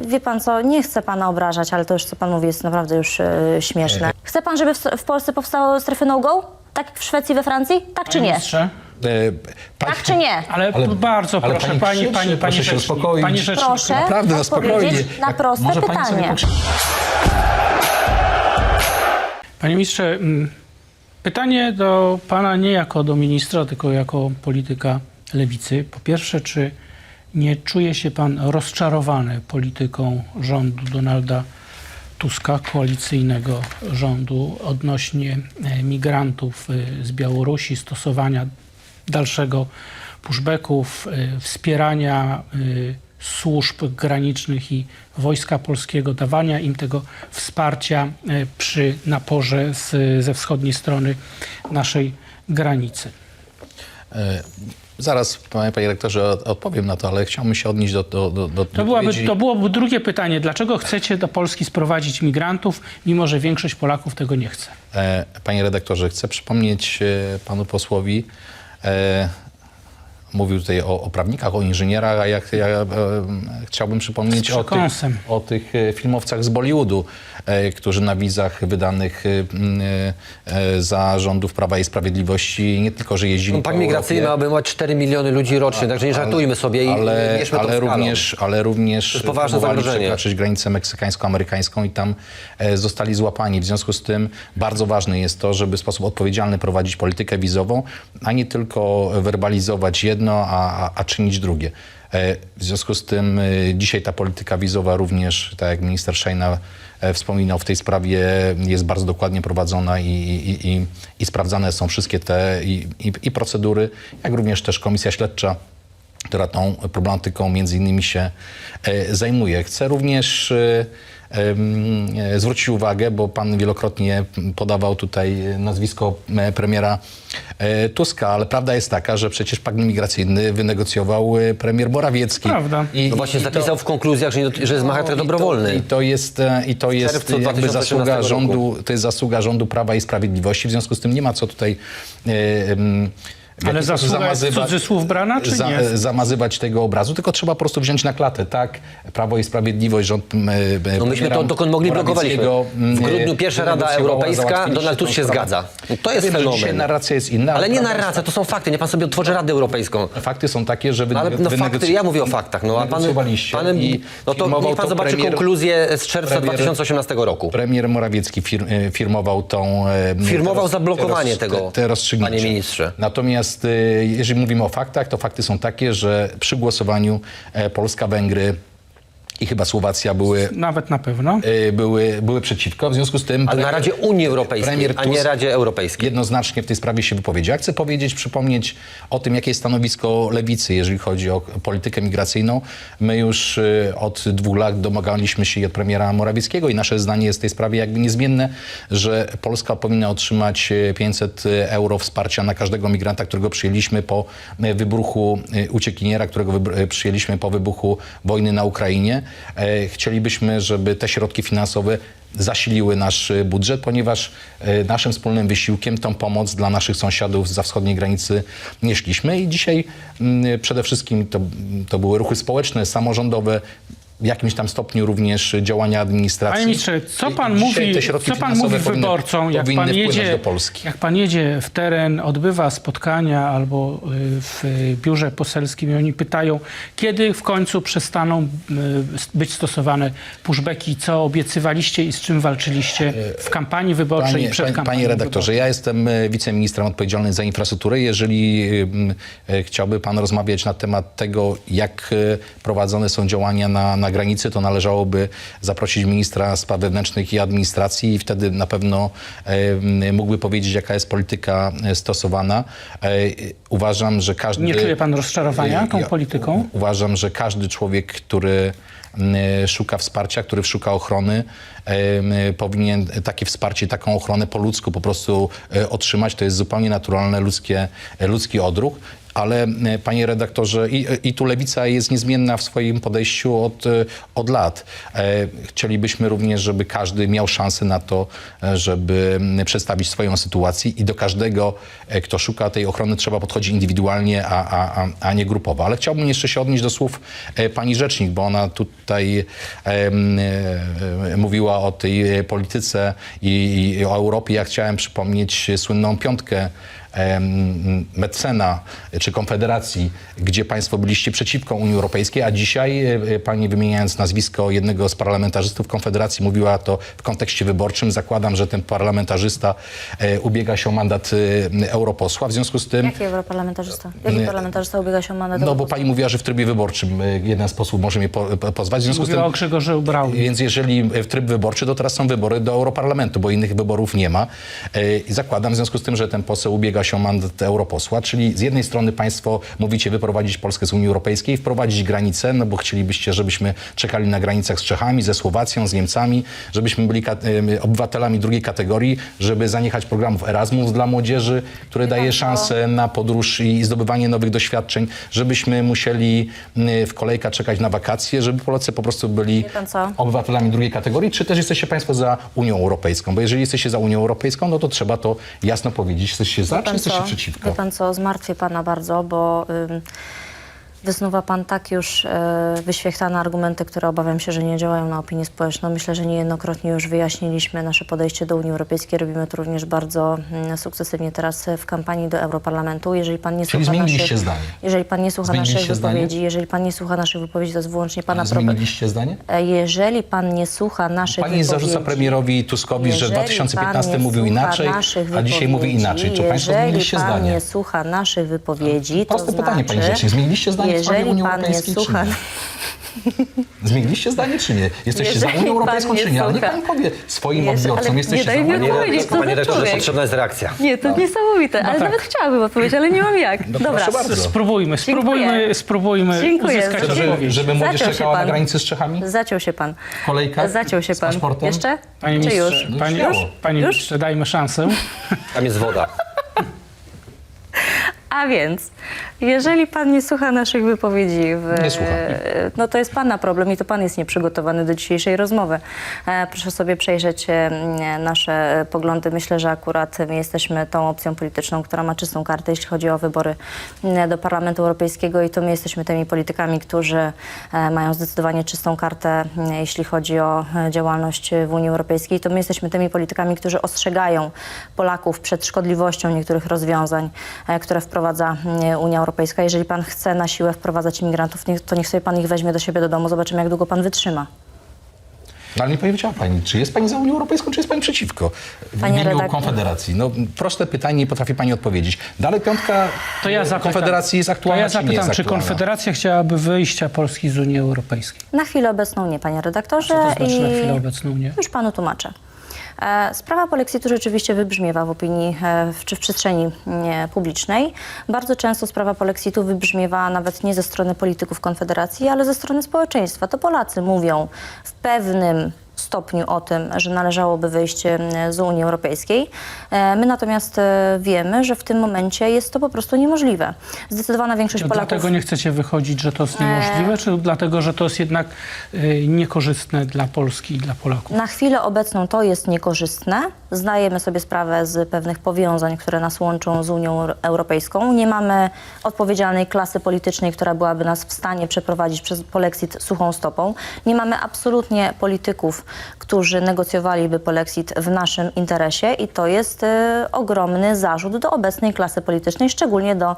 wie pan co, nie chcę pana obrażać, ale to już, co pan mówi, jest naprawdę już śmieszne. Chce pan, żeby w Polsce powstały strefy no-go? Tak jak w Szwecji, we Francji? Tak czy nie? Ministrze? Tak czy nie? Ale bardzo ale proszę, proszę się uspokoić. Pani rzecznik. Proszę Naprawdę, na spokojnie. odpowiedzieć na proste Może pani sobie pytanie. Panie ministrze, pytanie do pana nie jako do ministra, tylko jako polityka lewicy. Po pierwsze, czy nie czuje się pan rozczarowany polityką rządu Donalda Tuska, koalicyjnego rządu, odnośnie migrantów z Białorusi, stosowania dalszego pushbacków, wspierania służb granicznych i Wojska Polskiego, dawania im tego wsparcia przy naporze ze wschodniej strony naszej granicy? Zaraz, panie rektorze, odpowiem na to, ale chciałbym się odnieść do To byłoby drugie pytanie. Dlaczego chcecie do Polski sprowadzić migrantów, mimo że większość Polaków tego nie chce? Panie redaktorze, chcę przypomnieć panu posłowi, mówił tutaj o prawnikach, o inżynierach, a ja chciałbym przypomnieć o tych filmowcach z Bollywoodu, którzy na wizach wydanych za rządów Prawa i Sprawiedliwości nie tylko, że jeździli Pakt migracyjny ma obejmować 4 miliony ludzi rocznie, także nie żartujmy sobie i bierzmy to ale również próbowali zagrożenie. przekroczyć granicę meksykańsko-amerykańską i tam zostali złapani. W związku z tym bardzo ważne jest to, żeby w sposób odpowiedzialny prowadzić politykę wizową, a nie tylko werbalizować jedno, a czynić drugie. W związku z tym dzisiaj ta polityka wizowa również, tak jak minister Szejna wspominał, w tej sprawie jest bardzo dokładnie prowadzona i sprawdzane są wszystkie te i procedury, jak również też komisja śledcza, która tą problematyką między innymi się zajmuje. Chcę również zwrócić uwagę, bo pan wielokrotnie podawał tutaj nazwisko premiera Tuska, ale prawda jest taka, że przecież pakt migracyjny wynegocjował premier Morawiecki. Prawda. No właśnie zapisał w konkluzjach, że jest charakter dobrowolny. I to jest jakby zasługa rządu, to jest zasługa rządu Prawa i Sprawiedliwości. W związku z tym nie ma co tutaj ale zasługa jest w cudzysłów brana, czy nie? Zamazywać tego obrazu, tylko trzeba po prostu wziąć na klatę. Tak, Prawo i Sprawiedliwość, rząd No myśmy to dokąd mogli blokowaliśmy. W grudniu pierwsza Rada Europejska, Donald Tusk się zgadza. To jest fenomen. Dzisiaj narracja jest inna. Ale nie narracja, to są fakty. Nie pan sobie otworzy Radę Europejską. Fakty są takie, że fakty, ja mówię o faktach. No, a no to niech pan zobaczy konkluzję z czerwca 2018 roku. Premier Morawiecki firmował tą... Firmował zablokowanie tego, te rozstrzygnięcia. panie ministrze. Natomiast jeżeli mówimy o faktach, to fakty są takie, że przy głosowaniu Polska, Węgry i chyba Słowacja nawet na pewno były przeciwko. W związku z tym... Ale na Radzie Unii Europejskiej, a nie Radzie Europejskiej. Jednoznacznie w tej sprawie się wypowiedział. Ja chcę przypomnieć o tym, jakie jest stanowisko Lewicy, jeżeli chodzi o politykę migracyjną. My już od 2 lat domagaliśmy się od premiera Morawieckiego i nasze zdanie jest w tej sprawie jakby niezmienne, że Polska powinna otrzymać 500 euro wsparcia na każdego migranta, którego przyjęliśmy po wybuchu uciekiniera, którego przyjęliśmy po wybuchu wojny na Ukrainie. Chcielibyśmy, żeby te środki finansowe zasiliły nasz budżet, ponieważ naszym wspólnym wysiłkiem tą pomoc dla naszych sąsiadów zza wschodniej granicy nieśliśmy i dzisiaj przede wszystkim to były ruchy społeczne, samorządowe, w jakimś tam stopniu również działania administracji. Panie ministrze, co pan mówi wyborcom, jak pan jedzie w teren, odbywa spotkania albo w biurze poselskim i oni pytają, kiedy w końcu przestaną być stosowane pushbacki, co obiecywaliście i z czym walczyliście w kampanii wyborczej i przed kampanią. Panie redaktorze, ja jestem wiceministrem odpowiedzialnym za infrastrukturę. Jeżeli chciałby pan rozmawiać na temat tego, jak prowadzone są działania na granicy, to należałoby zaprosić ministra spraw wewnętrznych i administracji i wtedy na pewno mógłby powiedzieć, jaka jest polityka stosowana. Uważam, że każdy... Nie czuje pan rozczarowania tą polityką? Uważam, że każdy człowiek, który szuka wsparcia, który szuka ochrony, powinien takie wsparcie, taką ochronę po ludzku po prostu otrzymać. To jest zupełnie naturalny ludzki odruch. ale panie redaktorze, i tu Lewica jest niezmienna w swoim podejściu od lat. Chcielibyśmy również, żeby każdy miał szansę na to, żeby przedstawić swoją sytuację i do każdego, kto szuka tej ochrony, trzeba podchodzić indywidualnie, a nie grupowo. Ale chciałbym jeszcze się odnieść do słów pani rzecznik, bo ona tutaj mówiła o tej polityce i o Europie. Ja chciałem przypomnieć słynną piątkę Metzena czy Konfederacji, gdzie państwo byliście przeciwko Unii Europejskiej, a dzisiaj pani, wymieniając nazwisko jednego z parlamentarzystów Konfederacji, mówiła to w kontekście wyborczym. Zakładam, że ten parlamentarzysta ubiega się o mandat europosła. W związku z tym... Jaki europarlamentarzysta? Jaki parlamentarzysta ubiega się o mandat No bo europosła? pani mówiła, że w trybie wyborczym jeden z posłów może mnie pozwać. W związku z tym, Mówiła o Grzegorzu Braunie. więc jeżeli w tryb wyborczy, to teraz są wybory do Europarlamentu, bo innych wyborów nie ma. I zakładam w związku z tym, że ten poseł ubiega się o mandat europosła, czyli z jednej strony państwo mówicie wyprowadzić Polskę z Unii Europejskiej, wprowadzić granice, no bo chcielibyście, żebyśmy czekali na granicach z Czechami, ze Słowacją, z Niemcami, żebyśmy byli obywatelami drugiej kategorii, żeby zaniechać programów Erasmus dla młodzieży, które daje szansę na podróż i zdobywanie nowych doświadczeń, żebyśmy musieli w kolejkach czekać na wakacje, żeby Polacy po prostu byli obywatelami drugiej kategorii, czy też jesteście państwo za Unią Europejską? Bo jeżeli jesteście za Unią Europejską, no to trzeba to jasno powiedzieć. Jesteście za, czy jesteście przeciwko? Wie pan co, zmartwię pana bardzo, bo wysnuwa pan tak już wyświechtane argumenty, które obawiam się, że nie działają na opinię społeczną. Myślę, że niejednokrotnie już wyjaśniliśmy nasze podejście do Unii Europejskiej. Robimy to również bardzo sukcesywnie teraz w kampanii do Europarlamentu. Jeżeli pan nie Czyli słucha zmieniliście zdanie? Jeżeli pan nie słucha naszych Zmieniliście wypowiedzi, zdanie? jeżeli pan nie słucha naszych wypowiedzi, to jest wyłącznie pana problem. Zmieniliście zdanie? Jeżeli pan nie słucha naszych Pani wypowiedzi... zarzuca premierowi Tuskowi, że w Jeżeli 2015 pan nie mówił słucha inaczej, naszych a dzisiaj mówi wypowiedzi, inaczej. Czy państwo zmieniliście Jeżeli pan zdanie? nie słucha naszych wypowiedzi, Proste to pytanie, znaczy... pani rzecznik. Zmieniliście zdanie w sprawie Jeżeli Unii pan nie Europejskiej, słucha... czy nie? Zmieniliście zdanie, czy nie? Jesteście za Jeżeli Unią Europejską, pan nie czy nie? Ale niech słucha- pani powie swoim Jeżeli- odbiorcom, ale jesteście nie za daj mi Unią odpowiedzieć, Europejską. co Panie za redaktorze, człowiek. potrzebna jest reakcja. Nie, to niesamowite, ale tak. nawet chciałabym odpowiedzieć, ale nie mam jak. Dobra, proszę bardzo. Spróbujmy Dziękuję. uzyskać Żeby- odpowiedź. Żeby młodzież Zaciął się czekała na pan. granicy z Czechami? Zaciął się pan. W kolejkach? Zaciął się Z pan. paszportem? Jeszcze? Panie Czy ministrze, już? panie Już? ministrze, dajmy szansę. Tam jest woda. A więc, jeżeli pan nie słucha naszych wypowiedzi, Nie słucham. no to jest pana problem i to pan jest nieprzygotowany do dzisiejszej rozmowy. Proszę sobie przejrzeć nasze poglądy. Myślę, że akurat my jesteśmy tą opcją polityczną, która ma czystą kartę, jeśli chodzi o wybory do Parlamentu Europejskiego i to my jesteśmy tymi politykami, którzy mają zdecydowanie czystą kartę, jeśli chodzi o działalność w Unii Europejskiej. To my jesteśmy tymi politykami, którzy ostrzegają Polaków przed szkodliwością niektórych rozwiązań, które wprowadza Unia Europejska. Jeżeli pan chce na siłę wprowadzać imigrantów, to niech sobie pan ich weźmie do siebie do domu. Zobaczymy, jak długo pan wytrzyma. No, ale nie powiedziała pani, czy jest pani za Unią Europejską, czy jest pani przeciwko? W Panie imieniu redaktor. Konfederacji. No, proste pytanie, nie potrafi pani odpowiedzieć. Dalej piątka To ja zapytam, Konfederacji jest aktualna, czy nie jest czy aktualna? Konfederacja chciałaby wyjścia Polski z Unii Europejskiej? Na chwilę obecną nie, panie redaktorze. Co to znaczy na chwilę obecną nie? Już panu tłumaczę. Sprawa polexitu rzeczywiście wybrzmiewa w opinii czy w przestrzeni publicznej. Bardzo często sprawa polexitu wybrzmiewa nawet nie ze strony polityków Konfederacji, ale ze strony społeczeństwa. To Polacy mówią w pewnym stopniu o tym, że należałoby wyjść z Unii Europejskiej. My natomiast wiemy, że w tym momencie jest to po prostu niemożliwe. Zdecydowana większość To Polaków... dlatego nie chcecie wychodzić, że to jest niemożliwe, czy dlatego, że to jest jednak niekorzystne dla Polski i dla Polaków? Na chwilę obecną to jest niekorzystne. Zdajemy sobie sprawę z pewnych powiązań, które nas łączą z Unią Europejską. Nie mamy odpowiedzialnej klasy politycznej, która byłaby nas w stanie przeprowadzić przez polexit suchą stopą. Nie mamy absolutnie polityków, którzy negocjowaliby polexit w naszym interesie i to jest ogromny zarzut do obecnej klasy politycznej, szczególnie do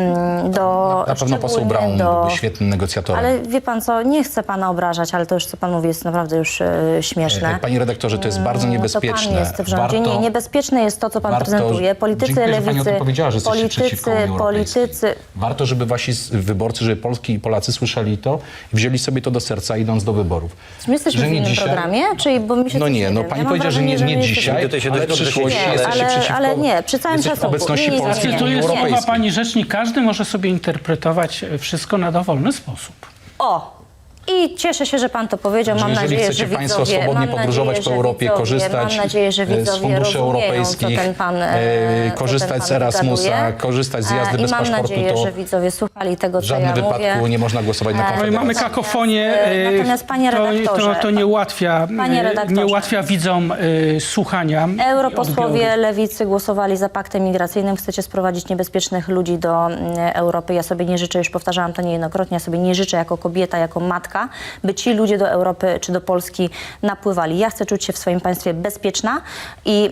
Na pewno poseł Braun byłby świetnym negocjatorem. Ale wie pan co, nie chcę pana obrażać, ale to już, co pan mówi, jest naprawdę już śmieszne. Panie redaktorze, to jest bardzo niebezpieczne. To pan jest w rządzie. Nie, niebezpieczne jest to, co pan prezentuje. Politycy Dziękuję, że pani o lewicy, tym powiedziała, że jesteście przeciwko Unii Europejskiej. politycy... Warto, żeby wasi wyborcy, żeby Polki i Polacy słyszeli to i wzięli sobie to do serca, idąc do wyborów. Czy my jesteśmy Że w nie innym dzisiaj- programie? Czyli, bo mi się No coś nie, no wiem. pani Ja mam powiedziała, że wrażenie, nie my jesteśmy- dzisiaj, Tutaj się ale w dość dobrze przyszłości się- jesteście przeciwko. ale nie, przy całym jesteście szacunku. obecności Nie, Polski w Tu Unii jest mowa, Europejskiej. pani rzecznik, każdy może sobie interpretować wszystko na dowolny sposób. O! I cieszę się, że pan to powiedział. Mam Jeżeli nadzieję, chcecie że Państwo widzowie, swobodnie podróżować po Europie, korzystać mam nadzieję, że z widzowie funduszy rozumieją, europejskich, co ten pan, korzystać z Erasmusa, wygaduje. korzystać z jazdy bez I mam paszportu, nadzieję, to że widzowie słuchali tego, w co ja żadnym wypadku mówię. nie można głosować na Ale Konfederację. mamy kakofonię, Natomiast, panie redaktorze, to nie ułatwia, panie redaktorze, nie ułatwia widzom słuchania. Europosłowie Lewicy głosowali za paktem migracyjnym. Chcecie sprowadzić niebezpiecznych ludzi do Europy. Ja sobie nie życzę, już powtarzałam to niejednokrotnie, ja sobie nie życzę jako kobieta, jako matka, by ci ludzie do Europy czy do Polski napływali. Ja chcę czuć się w swoim państwie bezpieczna i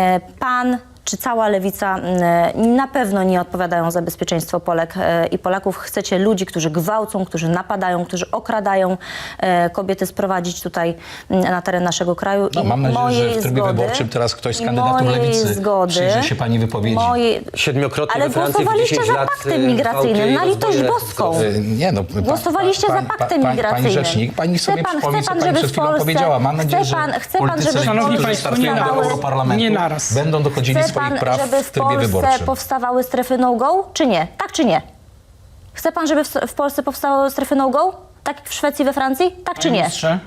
pan czy cała lewica na pewno nie odpowiadają za bezpieczeństwo Polek i Polaków. Chcecie ludzi, którzy gwałcą, którzy napadają, którzy okradają kobiety, sprowadzić tutaj na teren naszego kraju. No, mam nadzieję, że w trybie wyborczym teraz ktoś z kandydatur Lewicy przyjrzy się pani wypowiedzi. Siedmiokrotnie Ale we Francji w głosowaliście 10 za lat paktem migracyjnym, na litość rozwoju boską. Nie, no, Głosowaliście za paktem migracyjnym. Pani rzecznik, pani sobie przypomni, co pani żeby przed w chwilą Polsce- powiedziała. Mam nadzieję, chce pan, że żeby politycy, w Szanowni którzy państwo, startują do powstawały- Europarlamentu, nie naraz. będą dochodzili Chce swoich pan, praw żeby w w trybie Polsce wyborczym. powstawały strefy no-go, czy nie? Tak czy nie? Chce pan, żeby w Polsce powstały strefy no-go? Tak jak w Szwecji, we Francji? Tak czy nie? Ministrze?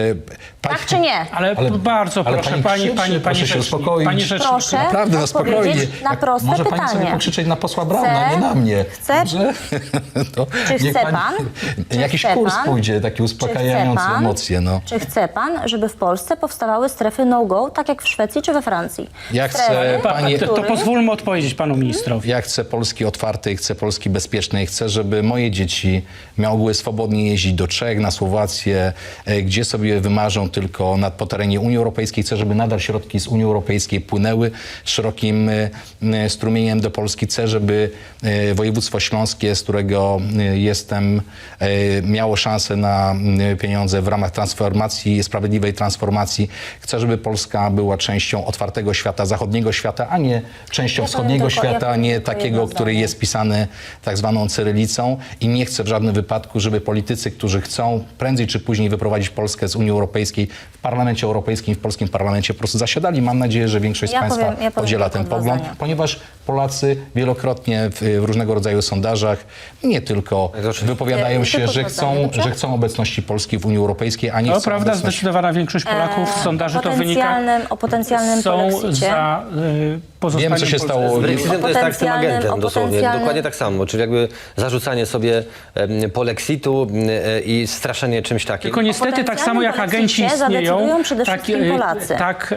Tak czy nie? Ale bardzo ale proszę, pani krzyczy, proszę się rzecznik, uspokoić. pani rzecznik. Proszę Naprawdę, no spokojnie. odpowiedzieć na proste Może pani sobie pytanie. pokrzyczeć na posła Brauna, nie na mnie. Chcę- Dobrze? To Czy niech chce pani- pan? Czy Jakiś chce kurs pan? pójdzie, taki uspokajający emocje. No. Czy chce pan, żeby w Polsce powstawały strefy no-go, tak jak w Szwecji czy we Francji? Ja chcę, Strefy, panie- To których- pozwólmy odpowiedzieć panu ministrowi. Ja chcę Polski otwartej, chcę Polski bezpiecznej, chcę, żeby moje dzieci mogły swobodnie jeździć do Czech, na Słowację, gdzie sobie wymarzą tylko po terenie Unii Europejskiej. Chcę, żeby nadal środki z Unii Europejskiej płynęły szerokim strumieniem do Polski. Chcę, żeby województwo śląskie, z którego jestem, miało szansę na pieniądze w ramach transformacji, sprawiedliwej transformacji. Chcę, żeby Polska była częścią otwartego świata, zachodniego świata, a nie częścią wschodniego świata, a nie takiego, który jest pisany tak zwaną cyrylicą. I nie chcę w żadnym wypadku, żeby politycy, którzy chcą prędzej czy później wyprowadzić Polskę z Unii Europejskiej, w Parlamencie Europejskim, w polskim parlamencie po prostu zasiadali. Mam nadzieję, że większość z Państwa podziela ten pogląd, ponieważ Polacy wielokrotnie w różnego rodzaju sondażach nie tylko wypowiadają się, że chcą obecności Polski w Unii Europejskiej, a nie To chcą prawda, obecności... zdecydowana większość Polaków z sondaży to wynika. O potencjalnym Są polexicie. za pozostaniem Wiemy, co się Polski. stało. Z Brexitem to jest tak z tym agentem dosłownie, potencjalnym- dokładnie tak samo, czyli jakby zarzucanie sobie polexitu i straszenie czymś takim. Tylko niestety tak samo jak agenci polexicie istnieją, zadecydują przede wszystkim Polacy.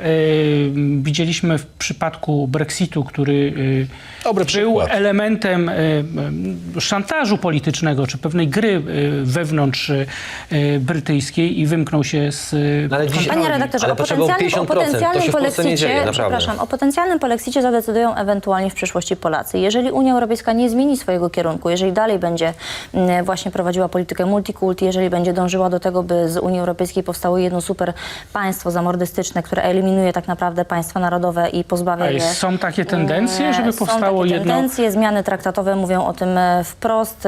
Widzieliśmy w przypadku Brexitu, który Dobry był przykład. elementem szantażu politycznego, czy pewnej gry wewnątrz brytyjskiej i wymknął się z Ale dziś- Panie redaktorze, Ale o potrzeba było potencjalnym 50%, to się w Polsce nie dzieje, naprawdę. przepraszam, o potencjalnym polexicie zadecydują ewentualnie w przyszłości Polacy. Jeżeli Unia Europejska nie zmieni swojego kierunku, jeżeli dalej będzie właśnie prowadziła politykę multikulti, jeżeli będzie dążyła do tego, by z Unii Europejskiej powstało jedno super państwo zamordystyczne, które eliminuje tak naprawdę państwa narodowe i pozbawia je... Są takie tendencje, żeby powstało Są takie jedno... tendencje, zmiany traktatowe mówią o tym wprost.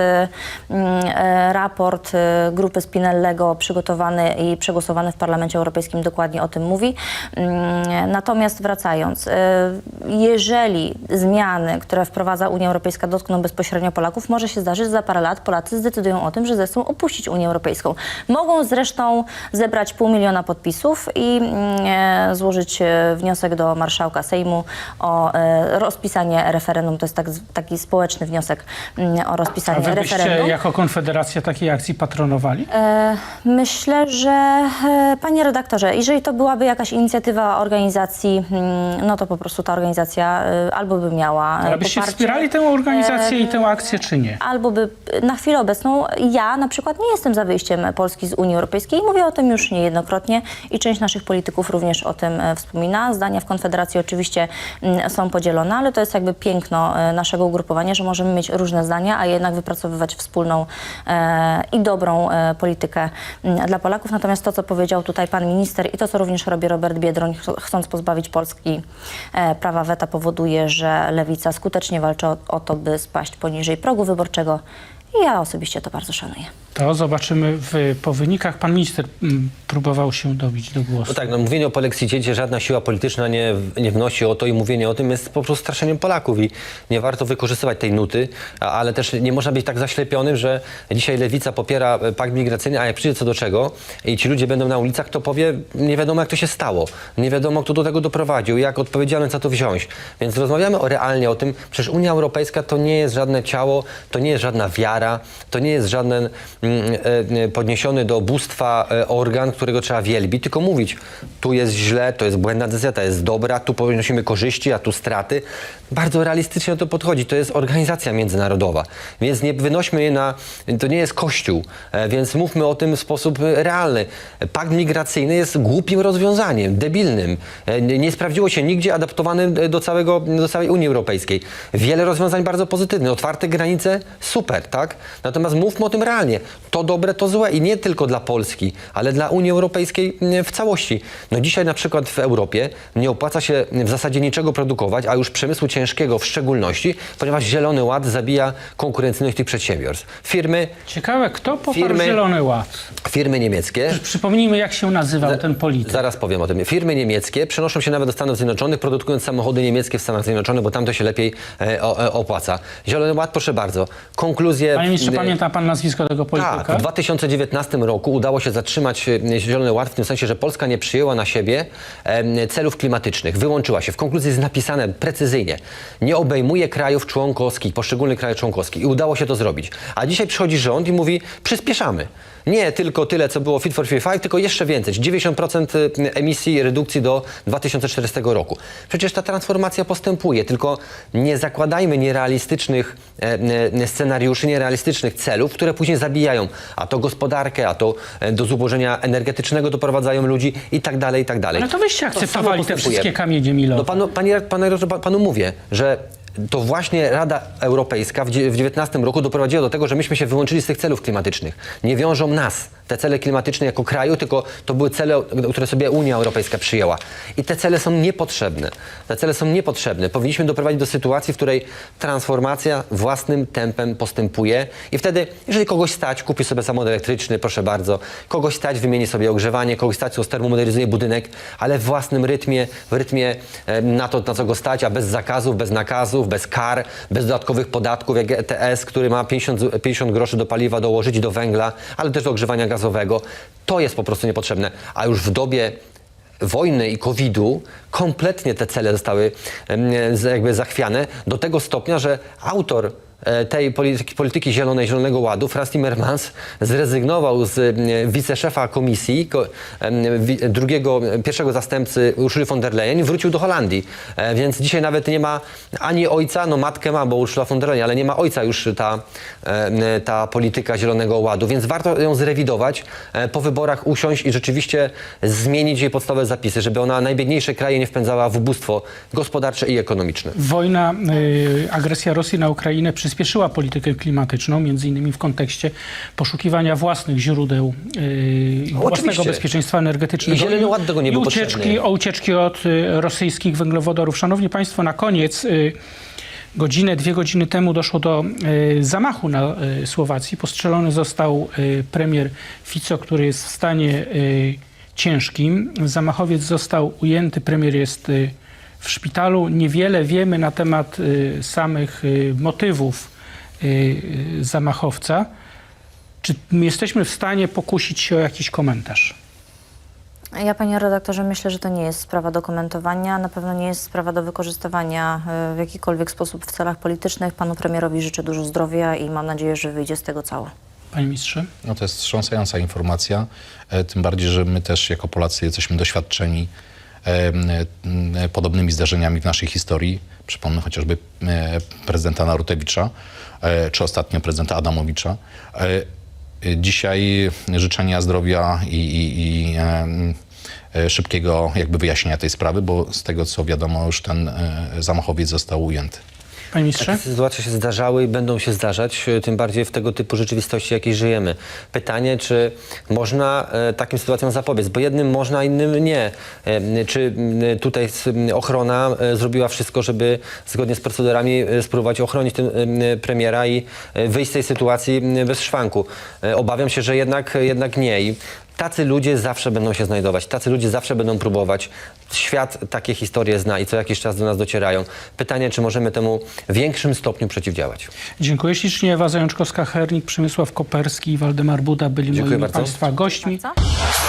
Raport grupy Spinellego przygotowany i przegłosowany w Parlamencie Europejskim dokładnie o tym mówi. Natomiast wracając, jeżeli zmiany, które wprowadza Unia Europejska, dotkną bezpośrednio Polaków, może się zdarzyć, że za parę lat Polacy zdecydują o tym, że zechcą opuścić Unię Europejską. Mogą zresztą zebrać 500 000 podpisów i złożyć wniosek do marszałka Sejmu o rozpisanie referendum. To jest taki społeczny wniosek o rozpisanie A wy byście referendum. jako Konfederacja takiej akcji patronowali? Myślę, że panie redaktorze, jeżeli to byłaby jakaś inicjatywa organizacji, no to po prostu ta organizacja albo by miała Ale byście poparcie, wspierali tę organizację i tę akcję, czy nie? albo by na chwilę obecną ja na przykład nie jestem za wyjściem Polski z Unii Europejskiej. Mówię o tym już niejednokrotnie i część naszych polityków również o tym wspomina. Zdania w Konfederacji oczywiście są podzielone, ale to jest jakby piękno naszego ugrupowania, że możemy mieć różne zdania, a jednak wypracowywać wspólną i dobrą politykę dla Polaków. Natomiast to, co powiedział tutaj pan minister i to, co również robi Robert Biedroń, chcąc pozbawić Polski prawa weta, powoduje, że Lewica skutecznie walczy o to, by spaść poniżej progu wyborczego I ja osobiście to bardzo szanuję. To zobaczymy po wynikach. Pan minister próbował się dobić do głosu. No tak, no mówienie o polexicie, gdzie żadna siła polityczna nie wnosi o to i mówienie o tym jest po prostu straszeniem Polaków i nie warto wykorzystywać tej nuty, ale też nie można być tak zaślepionym, że dzisiaj Lewica popiera pakt migracyjny, a jak przyjdzie co do czego i ci ludzie będą na ulicach, to powie, nie wiadomo jak to się stało, nie wiadomo kto do tego doprowadził, jak odpowiedzialny za to wziąć. Więc rozmawiamy realnie o tym, przecież Unia Europejska to nie jest żadne ciało, to nie jest żadna wiara, to nie jest żaden podniesiony do bóstwa organ, którego trzeba wielbić, tylko mówić, tu jest źle, to jest błędna decyzja, to jest dobra, tu ponosimy korzyści, a tu straty. Bardzo realistycznie o to podchodzi. To jest organizacja międzynarodowa, więc nie wynośmy jej to nie jest Kościół, więc mówmy o tym w sposób realny. Pakt migracyjny jest głupim rozwiązaniem, debilnym. Nie sprawdziło się nigdzie, adaptowanym do całej Unii Europejskiej. Wiele rozwiązań bardzo pozytywnych. Otwarte granice, super, tak? Natomiast mówmy o tym realnie. To dobre, to złe i nie tylko dla Polski, ale dla Unii Europejskiej w całości. No dzisiaj na przykład w Europie nie opłaca się w zasadzie niczego produkować, a już przemysłu ciężkiego w szczególności, ponieważ Zielony Ład zabija konkurencyjność tych przedsiębiorstw. Ciekawe, kto poparł Zielony Ład? Firmy niemieckie. Przypomnijmy, jak się nazywał ten polityk. Zaraz powiem o tym. Firmy niemieckie przenoszą się nawet do Stanów Zjednoczonych, produkując samochody niemieckie w Stanach Zjednoczonych, bo tam to się lepiej opłaca. Zielony Ład, proszę bardzo. Konkluzje... Panie ministrze, pamięta pan nazwisko tego polityka? Tak, w 2019 roku udało się zatrzymać Zielony Ład w tym sensie, że Polska nie przyjęła na siebie celów klimatycznych. Wyłączyła się. W konkluzji jest napisane precyzyjnie. Nie obejmuje krajów członkowskich, poszczególnych krajów członkowskich. I udało się to zrobić. A dzisiaj przychodzi rząd i mówi, przyspieszamy. Nie tylko tyle, co było Fit for 55, tylko jeszcze więcej. 90% emisji redukcji do 2040 roku. Przecież ta transformacja postępuje, tylko nie zakładajmy nierealistycznych scenariuszy, nierealistycznych celów, które później zabijają a to gospodarkę, a to do zubożenia energetycznego doprowadzają ludludzi i tak dalej, i tak dalej. Ale to wyście akceptowali te wszystkie kamienie milowe. No panu mówię, że to właśnie Rada Europejska w 2019 roku doprowadziła do tego, że myśmy się wyłączyli z tych celów klimatycznych. Nie wiążą nas te cele klimatyczne jako kraju, tylko to były cele, które sobie Unia Europejska przyjęła. I te cele są niepotrzebne. Te cele są niepotrzebne. Powinniśmy doprowadzić do sytuacji, w której transformacja własnym tempem postępuje i wtedy, jeżeli kogoś stać, kupi sobie samochód elektryczny, proszę bardzo, kogoś stać, wymieni sobie ogrzewanie, kogoś stać, termomodernizuje budynek, ale w własnym rytmie, na to, na co go stać, a bez zakazów, bez nakazów, bez kar, bez dodatkowych podatków, jak ETS, który ma 50 groszy do paliwa dołożyć, do węgla, ale też do ogrzewania gazowego. To jest po prostu niepotrzebne. A już w dobie wojny i COVID-u kompletnie te cele zostały jakby zachwiane do tego stopnia, że autor tej polityki zielonej, Zielonego Ładu, Frans Timmermans, zrezygnował z wiceszefa komisji, pierwszego zastępcy Ursuli von der Leyen i wrócił do Holandii. Więc dzisiaj nawet nie ma ani ojca, no matkę ma, bo Ursula von der Leyen, ale nie ma ojca już ta polityka Zielonego Ładu. Więc warto ją zrewidować, po wyborach usiąść i rzeczywiście zmienić jej podstawowe zapisy, żeby ona najbiedniejsze kraje nie wpędzała w ubóstwo gospodarcze i ekonomiczne. Wojna, agresja Rosji na Ukrainę przyspieszyła politykę klimatyczną, między innymi w kontekście poszukiwania własnych źródeł, własnego bezpieczeństwa energetycznego. I Zielony Ład tego nie był potrzebny. Ucieczki od rosyjskich węglowodorów. Szanowni Państwo, na koniec, dwie godziny temu doszło do zamachu na Słowacji. Postrzelony został premier Fico, który jest w stanie ciężkim. Zamachowiec został ujęty, premier jest w szpitalu. Niewiele wiemy na temat samych motywów zamachowca. Czy jesteśmy w stanie pokusić się o jakiś komentarz? Ja, panie redaktorze, myślę, że to nie jest sprawa do komentowania. Na pewno nie jest sprawa do wykorzystywania w jakikolwiek sposób w celach politycznych. Panu premierowi życzę dużo zdrowia i mam nadzieję, że wyjdzie z tego cało. Panie ministrze? No to jest wstrząsająca informacja. Tym bardziej, że my też jako Polacy jesteśmy doświadczeni podobnymi zdarzeniami w naszej historii. Przypomnę chociażby prezydenta Narutewicza, czy ostatnio prezydenta Adamowicza. Dzisiaj życzenia zdrowia i szybkiego jakby wyjaśnienia tej sprawy, bo z tego co wiadomo już ten zamachowiec został ujęty. Panie ministrze? Takie sytuacje się zdarzały i będą się zdarzać, tym bardziej w tego typu rzeczywistości, jakiej żyjemy. Pytanie, czy można takim sytuacjom zapobiec, bo jednym można, innym nie. Czy tutaj ochrona zrobiła wszystko, żeby zgodnie z procedurami spróbować ochronić premiera i wyjść z tej sytuacji bez szwanku? Obawiam się, że jednak nie. I tacy ludzie zawsze będą się znajdować, tacy ludzie zawsze będą próbować. Świat takie historie zna i co jakiś czas do nas docierają. Pytanie, czy możemy temu w większym stopniu przeciwdziałać. Dziękuję ślicznie. Ewa Zajączkowska-Hernik, Przemysław Koperski i Waldemar Buda byli moimi bardzo. Państwa gośćmi. Bardzo.